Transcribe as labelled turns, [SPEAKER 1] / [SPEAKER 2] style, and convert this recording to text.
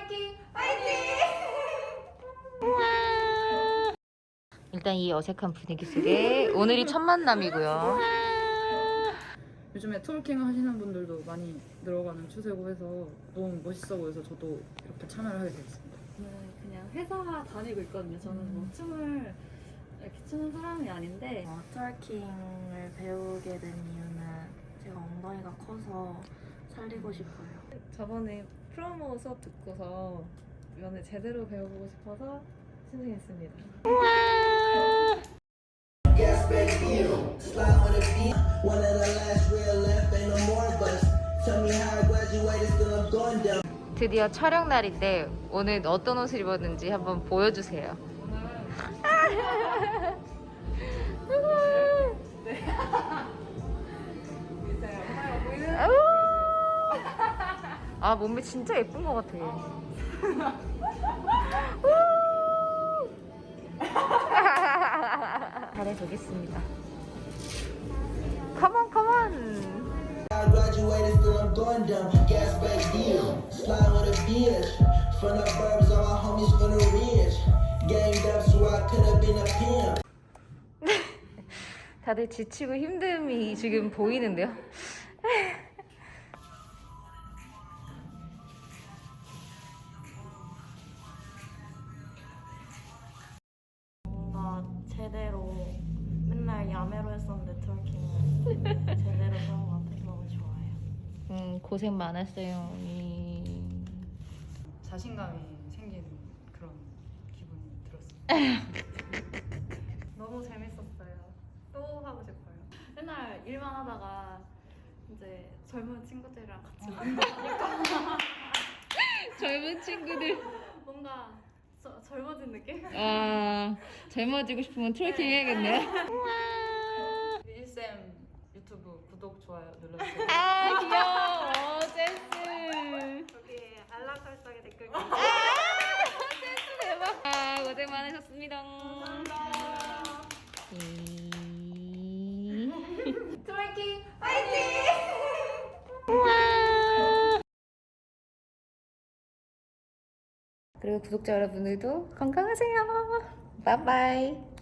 [SPEAKER 1] 트월킹 파이팅!
[SPEAKER 2] 일단 이 어색한 분위기 속에 오늘이 첫 만남이고요.
[SPEAKER 3] 요즘에 트월킹 하시는 분들도 많이 늘어가는 추세고 해서 너무 멋있어 보여서 저도 이렇게 참여를 하게 됐습니다.
[SPEAKER 4] 그냥 회사 다니고 있거든요. 저는 뭐 춤을 이렇게 추는 사람이 아닌데
[SPEAKER 5] 트월킹을 배우게 된 이유는 제가 엉덩이가 커서 살리고 싶어요.
[SPEAKER 4] 저번에 프로모 수업 듣고서 이번에 제대로 배워보고 싶어서 신청했습니다.
[SPEAKER 2] 드디어 촬영 날인데 오늘 어떤 옷을 입었는지 한번 보여주세요. 아, 몸매 진짜 예쁜 것 같아. 잘해보겠습니다. 컴온 컴온.
[SPEAKER 6] I graduated, still I'm going dumb. Gas back deal, slide with a bitch. From the burbs, all my homies from the ridge. Ganged up, so I could have been a pimp.
[SPEAKER 2] 다들 지치고 힘듦이 지금 보이는데요.
[SPEAKER 5] 뭔가 제대로 맨날 야매로 했었는데 트월킹을 제대로 배운 것 같아서 너무 좋아요.
[SPEAKER 2] 고생 많았어요.
[SPEAKER 3] 자신감이 생기는 그런 기분이 들었습니다.
[SPEAKER 4] 너무 재밌었어요. 또 하고 싶어요. 맨날 일만 하다가 이제 젊은 친구들이랑 같이 운동하니까
[SPEAKER 2] 젊은 친구들.
[SPEAKER 4] 뭔가 젊어진 느낌?
[SPEAKER 2] 아, 젊어지고 싶으면 트래킹 해야겠네.
[SPEAKER 3] 일쌤 유튜브 구독, 좋아요 눌러주세요.
[SPEAKER 2] 아, 귀여워. 센스.
[SPEAKER 4] 여기 알람 설정에 댓글
[SPEAKER 2] 센스 대박. 아, 고생 많으셨습니다.
[SPEAKER 1] 트월킹 파이팅!
[SPEAKER 2] 그리고 구독자 여러분들도 건강하세요. 바이바이.